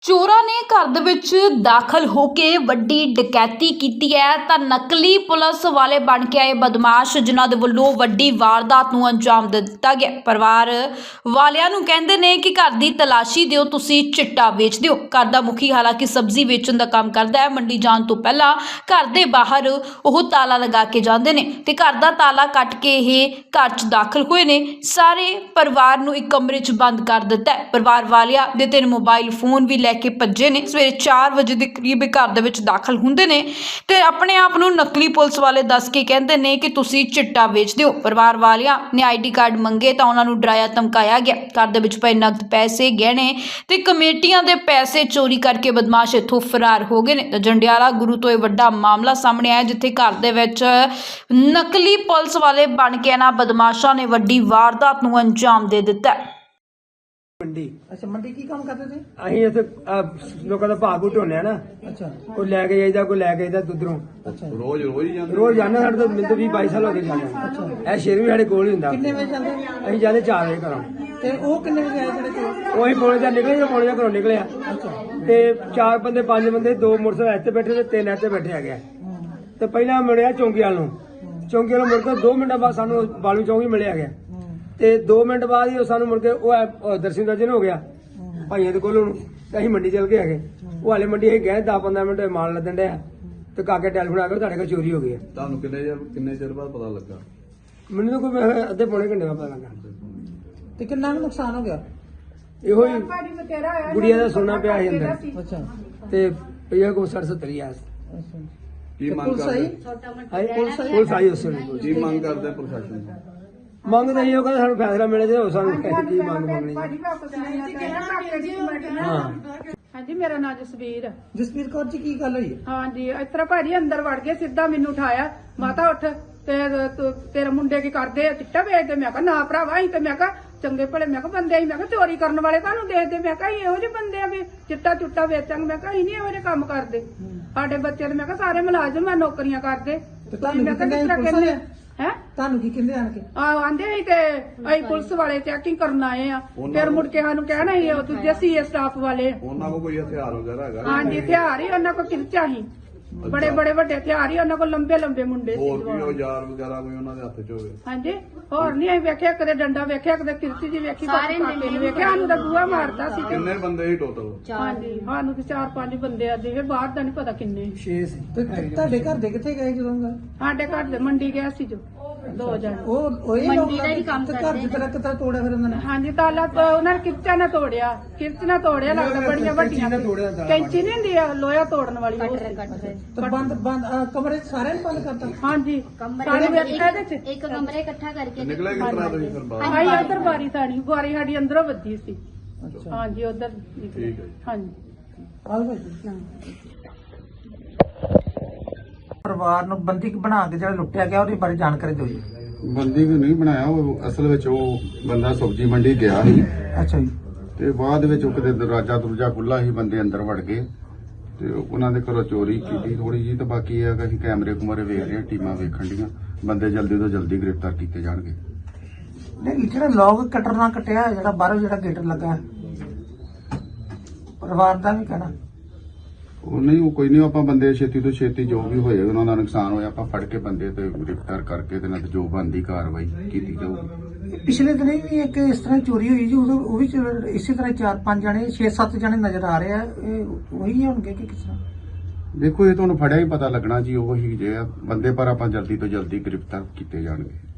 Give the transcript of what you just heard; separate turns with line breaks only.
ਚੋਰਾਂ ਨੇ ਘਰ ਦੇ ਵਿੱਚ ਦਾਖਲ ਹੋ ਕੇ ਵੱਡੀ ਡਕੈਤੀ ਕੀਤੀ ਹੈ ਤਾਂ ਨਕਲੀ ਪੁਲਿਸ ਵਾਲੇ ਬਣ ਕੇ ਆਏ ਬਦਮਾਸ਼ ਜਿਨ੍ਹਾਂ ਦੇ ਵੱਲੋਂ ਵੱਡੀ ਵਾਰਦਾਤ ਨੂੰ ਅੰਜਾਮ ਦੇ ਦਿੱਤਾ ਗਿਆ। ਪਰਿਵਾਰ ਵਾਲਿਆਂ ਨੂੰ ਕਹਿੰਦੇ ਨੇ ਕਿ ਘਰ ਦੀ ਤਲਾਸ਼ੀ ਦਿਓ, ਤੁਸੀਂ ਚਿੱਟਾ ਵੇਚਦੇ ਹੋ। ਘਰ ਦਾ ਮੁਖੀ ਹਾਲਾਂਕਿ ਸਬਜ਼ੀ ਵੇਚਣ ਦਾ ਕੰਮ ਕਰਦਾ ਹੈ। ਮੰਡੀ ਜਾਣ ਤੋਂ ਪਹਿਲਾਂ ਘਰ ਦੇ ਬਾਹਰ ਉਹ ਤਾਲਾ ਲਗਾ ਕੇ ਜਾਂਦੇ ਨੇ ਤੇ ਘਰ ਦਾ ਤਾਲਾ ਕੱਟ ਕੇ ਇਹ ਘਰ 'ਚ ਦਾਖਲ ਹੋਏ ਨੇ। ਸਾਰੇ ਪਰਿਵਾਰ ਨੂੰ ਇੱਕ ਕਮਰੇ 'ਚ ਬੰਦ ਕਰ ਦਿੱਤਾ ਹੈ। ਪਰਿਵਾਰ ਵਾਲਿਆਂ ਦੇ 3 ਮੋਬਾਈਲ ਫੋਨ ਵੀ ਲੈ ਕੇ ਭੱਜੇ ਨੇ। ਸਵੇਰੇ 4 ਵਜੇ ਦੇ ਕਰੀਬ ਘਰ ਦੇ ਵਿੱਚ ਦਾਖਲ ਹੁੰਦੇ ਨੇ ਤੇ ਆਪਣੇ ਆਪ ਨੂੰ ਨਕਲੀ ਪੁਲਿਸ ਵਾਲੇ ਦੱਸ ਕੇ ਕਹਿੰਦੇ ਨੇ ਕਿ ਤੁਸੀਂ ਚਿੱਟਾ ਵੇਚਦੇ ਹੋ। ਪਰਿਵਾਰ ਵਾਲਿਆਂ ਨੇ ਆਈਡੀ ਕਾਰਡ ਮੰਗੇ ਤਾਂ ਉਹਨਾਂ ਨੂੰ ਡਰਾਇਆ ਧਮਕਾਇਆ ਗਿਆ। ਘਰ ਦੇ ਵਿੱਚ ਪਏ ਨਕਦ ਪੈਸੇ, ਗਹਿਣੇ ਤੇ ਕਮੇਟੀਆਂ ਦੇ ਪੈਸੇ ਚੋਰੀ ਕਰਕੇ ਬਦਮਾਸ਼ ਇੱਥੋਂ ਫਰਾਰ ਹੋ ਗਏ ਨੇ। ਤਾਂ ਜੰਡਿਆਲਾ ਗੁਰੂ ਤੋਂ ਇਹ ਵੱਡਾ ਮਾਮਲਾ ਸਾਹਮਣੇ ਆਇਆ ਜਿੱਥੇ ਘਰ ਦੇ ਵਿੱਚ ਨਕਲੀ ਪੁਲਿਸ ਵਾਲੇ ਬਣ ਕੇ ਇਹਨਾਂ ਬਦਮਾਸ਼ਾਂ ਨੇ ਵੱਡੀ ਵਾਰਦਾਤ ਨੂੰ ਅੰਜਾਮ ਦੇ ਦਿੱਤਾ।
ਮੰਡੀ
ਅੱਛਾ ਮੰਡੀ ਕੀ ਕੰਮ ਕਰਦੇ ਸੀ?
ਅਸੀਂ ਇੱਥੇ ਲੋਕਾਂ ਦਾ ਭਾਗ ਢੋਨੇ ਆ ਨਾ।
ਅੱਛਾ
ਕੋਈ ਲੈ ਕੇ ਜਾਈਦਾ, ਕੋਈ ਲੈ ਕੇ ਜਾਈਦਾ ਦੁੱਧਰੋਂ।
ਅੱਛਾ
ਰੋਜ਼ ਹੀ ਜਾਂਦੇ
ਰੋਜ਼ ਜਾਂਦੇ, ਸਾਡੇ ਤੋਂ ਮੈਨੂੰ 20-22 ਸਾਲ ਹੋ ਗਏ ਜਾਂਦੇ। ਇਹ ਸ਼ੇਰ ਵੀ ਸਾਡੇ ਕੋਲ ਹੀ ਹੁੰਦਾ।
ਕਿੰਨੇ ਵਜੇ ਜਾਂਦੇ?
ਅਸੀਂ ਜਾਂਦੇ 4 ਵਜੇ ਘਰੋਂ।
ਤੇ ਉਹ ਕਿੰਨੇ ਵਜੇ ਆਏ ਜਿਹੜੇ ਚੋਰ?
ਉਹੀ ਪੌਣੇ ਜਾਂ ਨਿਕਲੇ ਜਾਂ ਪੌਣੇ ਜਾਂ ਘਰੋਂ ਨਿਕਲਿਆ
ਅੱਛਾ
ਤੇ 4 ਬੰਦੇ 5 ਬੰਦੇ, 2 ਮੋਟਰਸਾਈਕਲ ਇੱਥੇ ਬੈਠੇ ਤੇ 3 ਇੱਥੇ ਬੈਠੇ ਹੈਗੇ। ਤੇ ਪਹਿਲਾਂ ਮਿਲਿਆ ਚੌਂਕੀ ਵਾਲ ਨੂੰ। ਚੌਂਕੀ ਵਾਲੋਂ ਮੁੜ ਕੇ 2 ਮਿੰਟਾਂ ਬਾਅਦ ਸਾਨੂੰ ਬਾਲੂ ਚੌਂਕੀ ਮਿਲਿਆ ਗਿਆ ਤੇ 2 ਮਿੰਟ ਬਾਅਦ ਹੀ ਉਹ ਸਾਨੂੰ ਮੁੜ ਕੇ ਉਹ ਦਰਸ਼ਨ ਦਰਜਨ ਹੋ ਗਿਆ ਭਾਈਆਂ ਦੇ ਕੋਲ ਨੂੰ। ਤੇ ਅਸੀਂ ਮੰਡੀ ਚਲ ਕੇ ਹੈਗੇ। ਉਹ ਹਾਲੇ ਮੰਡੀ ਅਸੀਂ ਗਏ 10-15 ਮਿੰਟ ਮਾਲ ਲੱਦਣ ਡਿਆ ਤੇ ਕਾਕੇ ਟੈਲੀਫੋਨ ਆ ਗਿਆ ਤੁਹਾਡੇ ਕੋਲ ਚੋਰੀ ਹੋ ਗਈ ਹੈ।
ਤੁਹਾਨੂੰ ਕਿੰਨੇ ਚਿਰ ਬਾਅਦ ਪਤਾ ਲੱਗਾ?
ਮੈਨੂੰ ਤਾਂ ਕੋਈ ਅੱਧੇ ਪੌਣੇ ਘੰਟੇ ਬਾਅਦ ਪਤਾ ਲੱਗਾ।
ਤੇ ਕਿੰਨਾ ਕੁ ਨੁਕਸਾਨ ਹੋ ਗਿਆ?
ਇਹੋ ਹੀ ਗੁੜੀਆ ਦਾ ਸੋਨਾ ਪਿਆ ਸੀ ਅੰਦਰ
ਅੱਛਾ
ਤੇ ਪਿਆ ਕੋ 60-70 ਆ।
ਅੱਛਾ
ਕੀ
ਤੇ
ਮੰਗ
ਪੁਲਿਸ ਆਈ?
ਕਰਦੇ?
ਪੁਲਿਸ ਆਈ ਉਸ ਵੇਲੇ।
ਕੀ ਮੰਗ ਕਰਦੇ ਪ੍ਰਸ਼ਾਸਨ ਤੋਂ?
ਮੰਗ ਤਾਂ ਇਹੋ ਕਹਿੰਦੇ ਸਾਨੂੰ ਫੈਸਲਾ ਮਿਲੇ ਜੇ ਸਾਨੂੰ ਕੀ ਮੰਗ ਮੰਗਣੀ। ਹਾਂ
ਹਾਂਜੀ, ਮੇਰਾ ਨਾਮ ਜਸਵੀਰ ਹੈ।
ਜਸਵੀਰ ਕੌਰ ਜੀ ਕੀ ਗੱਲ ਹੋਈ?
ਹਾਂਜੀ, ਇਸ ਤਰ੍ਹਾਂ ਭਾਜੀ ਅੰਦਰ ਵੜ ਗਏ, ਸਿੱਧਾ ਮੈਨੂੰ ਉਠਾਇਆ, ਮਾਤਾ ਉੱਠ ਤੇ ਤੇਰੇ ਮੁੰਡੇ ਕੀ ਕਰਦੇ ਆ, ਚਿੱਟਾ ਵੇਚਦੇ? ਮੈਂ ਕਿਹਾ ਨਾ ਭਰਾਵਾ, ਅਸੀਂ ਤੇ ਮੈਂ ਕਿਹਾ ਚੰਗੇ ਭਲੇ ਮੈਂ ਕਿਹਾ ਬੰਦੇ, ਮੈਂ ਕਿਹਾ ਚੋਰੀ ਕਰਨ ਵਾਲੇ ਤੁਹਾਨੂੰ ਦੇਖਦੇ, ਮੈਂ ਕਿਹਾ ਇਹੋ ਜਿਹੇ ਬੰਦੇ ਆ ਵੀ ਚਿੱਟਾ ਚੁੱਟਾ ਵੇਚਾਂਗੇ, ਮੈਂ ਕਿਹਾ ਅਸੀਂ ਨਹੀਂ ਇਹੋ ਜਿਹੇ ਕੰਮ ਕਰਦੇ। ਸਾਡੇ ਬੱਚੇ ਤੇ ਮੈਂ ਕਿਹਾ ਸਾਰੇ ਮੁਲਾਜ਼ਮ ਆ, ਨੌਕਰੀਆਂ ਕਰਦੇ।
ਤੇ ਤੁਹਾਨੂੰ
ਮੈਂ ਕਿਹਾ
ਕਿੰਨੇ
ਕਿਸ ਤਰ੍ਹਾਂ
ਪੁਲਿਸ
ਕਹਿੰਦੇ
ਵਾਲੇ?
ਹੈ?
ਤੁਹਾਨੂੰ ਕੀ ਕਹਿੰਦੇ ਆਣ ਕੇ?
ਆਂਦੇ ਸੀ ਤੇ ਅਸੀਂ ਪੁਲਿਸ ਵਾਲੇ ਚੈਕਿੰਗ ਕਰਨ ਆਏ ਆ। ਫਿਰ ਮੁੜ ਕੇ ਸਾਨੂੰ ਕਹਿਣਾ ਸੀ ਉਹ ਦੂਜੇ ਸੀਏ ਸਟਾਫ ਵਾਲੇ।
ਉਹਨਾਂ ਕੋਲ ਕੋਈ ਹਥਿਆਰ ਵਗੈਰਾ ਹੈਗਾ?
ਹਾਂਜੀ, ਹਥਿਆਰ ਹੀ ਉਹਨਾਂ ਕੋਲ ਕਿਰਚਾ ਸੀ, ਬੜੇ ਬੜੇ ਵੱਡੇ ਹਥਿਆਰ ਹੀ ਉਹਨਾਂ ਕੋਲ, ਲੰਬੇ ਲੰਬੇ ਮੁੰਡੇ ਸੀ।
ਹੋਰ ਵੀ ਔਜ਼ਾਰ ਵਗੈਰਾ ਕੋਈ ਉਹਨਾਂ ਦੇ ਹੱਥ 'ਚ ਹੋਵੇ?
ਹਾਂਜੀ, ਹੋਰ ਨਹੀਂ ਅਸੀਂ ਵੇਖਿਆ, ਕਦੇ ਡੰਡਾ ਵੇਖਿਆ, ਕਦੇ ਕਿਰਚੀ ਜੀ ਵੇਖੀ, ਕਾਕੇ ਨੂੰ ਵੇਖਿਆ। ਸਾਨੂੰ ਤਾਂ ਬੂਹਾ ਮਾਰਦਾ ਸੀ।
ਕਿੰਨੇ ਬੰਦੇ ਸੀ ਟੋਟਲ?
ਹਾਂਜੀ, ਸਾਨੂੰ ਤੇ 4-5 ਬੰਦੇ ਆ ਜਿਹੇ, ਬਾਹਰ ਦਾ ਨਹੀਂ ਪਤਾ ਕਿੰਨੇ।
6
ਤੇ ਤੁਹਾਡੇ ਘਰ ਦੇ ਕਿੱਥੇ ਗਏ ਜਦੋਂ ਗਏ?
ਸਾਡੇ ਘਰ ਦੇ ਮੰਡੀ ਗਿਆ ਸੀ ਜੋ 2 ਜਣ।
ਉਹ ਇਹ ਲੋਕ ਤੇ ਘਰ ਦੀ ਤਰ੍ਹਾਂ ਕਿਤਰਾ ਤੋੜਿਆ ਫਿਰ ਉਹਨਾਂ ਨੇ?
ਹਾਂਜੀ, ਤਾਲਾ ਉਹਨਾਂ ਨੇ ਕਿਰਚਾ ਨਾ ਤੋੜਿਆ, ਕਿਰਚ ਨਾ ਤੋੜਿਆ, ਲੱਗਦਾ ਬੜੀਆਂ ਵੱਡੀਆਂ ਕੈਂਚੀ ਨਹੀਂ ਹੁੰਦੀ ਆ ਲੋਹਾ ਤੋੜਨ ਵਾਲੀ, ਉਹ ਸੀ।
ਤੇ ਬੰਦ ਕਮਰੇ ਸਾਰਿਆਂ ਨੂੰ ਬੰਦ ਕਰਤਾ?
ਹਾਂਜੀ, ਸਾਰੇ ਵੇਖਿਆ ਇਹਦੇ ਚ।
ਇੱਕ ਕਮਰੇ ਇਕੱਠਾ ਕਰਕੇ
ਨਿਕਲੇ ਕਿਸ ਤਰ੍ਹਾਂ ਤੁਸੀਂ ਫਿਰ ਬਾਹਰ?
ਆਈ ਉਧਰ ਬਾਰੀ ਸਾਡੀ ਅੰਦਰੋਂ ਵੱਜੀ ਸੀ।
ਅੱਛਾ
ਹਾਂਜੀ, ਉਧਰ
ਠੀਕ ਹੈ ਜੀ।
ਹਾਂਜੀ।
ਆਓ ਭਾਈ। ਪਰਿਵਾਰ ਨੂੰ ਬੰਦੀ ਬਣਾ ਕੇ ਜਿਹੜਾ ਲੁੱਟਿਆ ਗਿਆ ਉਹਦੇ ਬਾਰੇ ਜਾਣਕਾਰੀ ਦਿਓ ਜੀ।
ਬੰਦੀ ਨੂੰ ਨਹੀਂ ਬਣਾਇਆ, ਉਹ ਅਸਲ ਵਿੱਚ ਉਹ ਬੰਦਾ ਸਬਜ਼ੀ ਮੰਡੀ ਗਿਆ ਸੀ
ਅੱਛਾ ਜੀ।
ਤੇ ਬਾਅਦ ਵਿੱਚ ਉਹ ਕਿਤੇ ਦਰਵਾਜ਼ਾ ਖੁੱਲਾ ਸੀ, ਬੰਦੇ ਅੰਦਰ ਵੜ ਗਏ ਤੇ ਉਹਨਾਂ ਦੇ ਘਰੋਂ ਚੋਰੀ ਕੀਤੀ ਥੋੜੀ ਜੀ। ਤੇ ਬਾਕੀ ਇਹ ਹੈ ਕਿ ਅਸੀਂ ਕੈਮਰੇ ਕੁਮਰੇ ਵੇਖ ਰਹੇ ਹਾਂ, ਟੀਮਾਂ ਵੇਖਣ ਡੀਆਂ, ਬੰਦੇ ਜਲਦੀ ਤੋਂ ਜਲਦੀ ਗ੍ਰਿਫਤਾਰ ਕੀਤੇ ਜਾਣਗੇ।
ਨਹੀਂ, ਜਿਹੜਾ ਲੋਕ ਕਟਰ ਨਾਲ ਕਟਿਆ, ਜਿਹੜਾ ਬਾਹਰੋਂ ਜਿਹੜਾ ਗੇਟ ਲੱਗਾ, ਪਰਿਵਾਰ ਦਾ ਵੀ ਕਹਿਣਾ
ਉਹ ਨਹੀਂ, ਉਹ ਕੋਈ ਨਹੀਂ, ਆਪਾਂ ਬੰਦੇ ਛੇਤੀ ਤੋਂ ਛੇਤੀ ਜੋ ਵੀ ਹੋਏ ਉਹਨਾਂ ਦਾ ਨੁਕਸਾਨ ਹੋਇਆ ਆਪਾਂ ਫੜ ਕੇ ਬੰਦੇ ਤੇ ਗ੍ਰਿਫਤਾਰ ਕਰਕੇ ਤੇ ਨਾਲ ਜੋ ਬਣਦੀ ਕਾਰਵਾਈ ਕੀਤੀ ਜਾਊਗੀ।
ਪਿਛਲੇ ਦਿਨ ਵੀ ਇੱਕ ਇਸ ਤਰ੍ਹਾਂ ਚੋਰੀ ਹੋਈ ਜੀ, ਉਹ ਵੀ ਇਸੇ ਤਰ੍ਹਾਂ 4-5 ਜਣੇ 6-7 ਜਣੇ ਨਜ਼ਰ ਆ ਰਹੇ ਆ। ਇਹ ਉਹੀ ਹੋਣਗੇ ਕਿ ਕਿਸ ਤਰ੍ਹਾਂ?
ਦੇਖੋ ਇਹ ਤੁਹਾਨੂੰ ਫੜਿਆ ਹੀ ਪਤਾ ਲੱਗਣਾ ਜੀ, ਉਹ ਹੀ ਜੇ ਆ ਬੰਦੇ, ਪਰ ਆਪਾਂ ਜਲਦੀ ਤੋਂ ਜਲਦੀ ਗ੍ਰਿਫਤਾਰ ਕੀਤੇ ਜਾਣਗੇ।